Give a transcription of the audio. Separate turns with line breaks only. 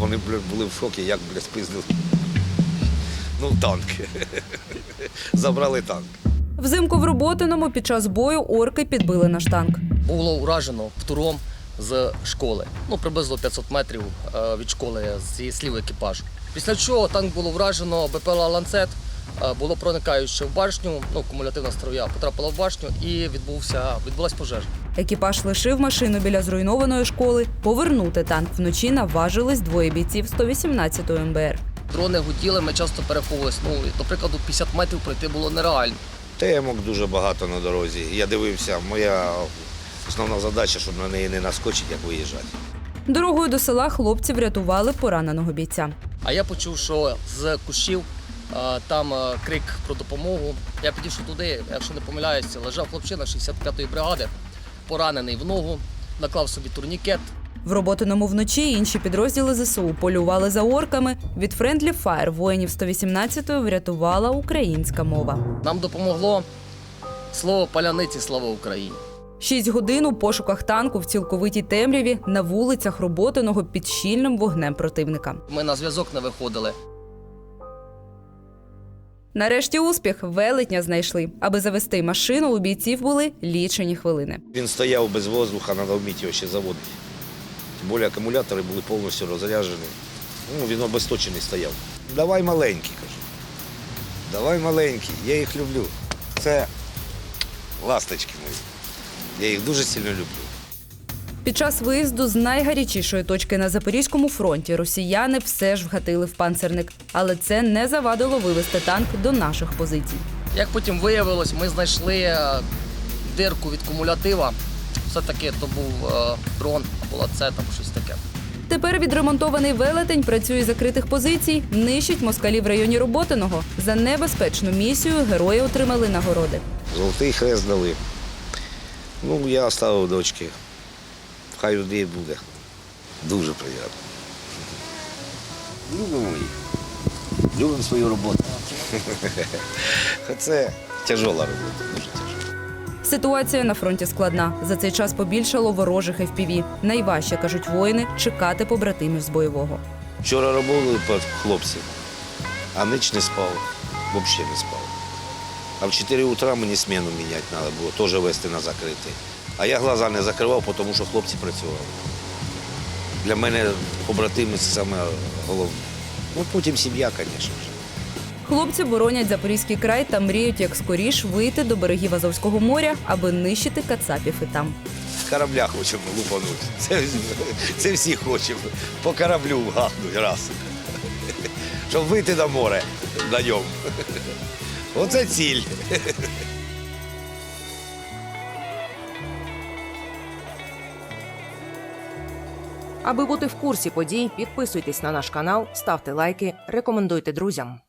вони були в шокі, як, спиздили. Ну, танк. Забрали танк.
Взимку в Роботиному під час бою орки підбили наш танк.
Було уражено птуром з школи. Приблизно 500 метрів від школи зі слів екіпажу. Після чого танк було вражено БПЛА «Ланцет», було проникаюче в башню, кумулятивна струя потрапила в башню і відбулася пожежа.
Екіпаж лишив машину біля зруйнованої школи. Повернути танк вночі наважились двоє бійців 118-ї МБР.
Дрони гуділи, ми часто переховувалися. До прикладу, 50 метрів пройти було нереально.
Темок дуже багато на дорозі. Я дивився, моя основна задача, щоб на неї не наскочити, як виїжджати.
Дорогою до села хлопці врятували пораненого бійця.
А я почув, що з кущів там крик про допомогу. Я підійшов туди, якщо не помиляюся, лежав хлопчина 65-ї бригади, поранений в ногу, наклав собі турнікет.
В Роботиному вночі інші підрозділи ЗСУ полювали за орками. Від Friendly Fire воїнів 118-ї врятувала українська мова.
Нам допомогло слово «паляниці», слава Україні.
6 годин у пошуках танку в цілковитій темряві на вулицях Роботиного під щільним вогнем противника.
Ми на зв'язок не виходили.
Нарешті успіх, велетня знайшли. Аби завести машину, у бійців були лічені хвилини.
Він стояв без воздуха, треба вміти його ще заводити. Тим більше акумулятори були повністю розряджені. Він обесточений стояв. Давай маленький, кажу. Давай маленький, я їх люблю. Це ласточки мої. Я їх дуже сильно люблю.
Під час виїзду з найгарячішої точки на Запорізькому фронті росіяни все ж вгатили в панцерник. Але це не завадило вивести танк до наших позицій.
Як потім виявилось, ми знайшли дирку від кумулятива. Все-таки то був дрон або ланцет, або щось таке.
Тепер відремонтований велетень працює з закритих позицій, нищить москалів в районі Роботиного. За небезпечну місію герої отримали нагороди.
Золотий хрест дали. Я оставив дочки. Хай людей буде. Дуже приємно. Любимо їх. Любимо свою роботу. Це тяжела робота, дуже тяжела.
Ситуація на фронті складна. За цей час побільшало ворожих FPV. Найважче, кажуть воїни, чекати побратимів з бойового.
Вчора робили хлопці, а ніч не спав, взагалі не спав. А в 4 утра мені зміну міняти треба було, теж вести на закритий. А я глаза не закривав, тому що хлопці працювали. Для мене побратими – це саме головне. Потім сім'я, звісно ж.
Хлопці боронять Запорізький край та мріють як скоріш вийти до берегів Азовського моря, аби нищити кацапів і там.
Корабля хочемо лупанути. Це всі хочемо. По кораблю вгаднуть раз. Щоб вийти на море на ньому. Оце ціль.
Аби бути в курсі подій, підписуйтесь на наш канал, ставте лайки, рекомендуйте друзям.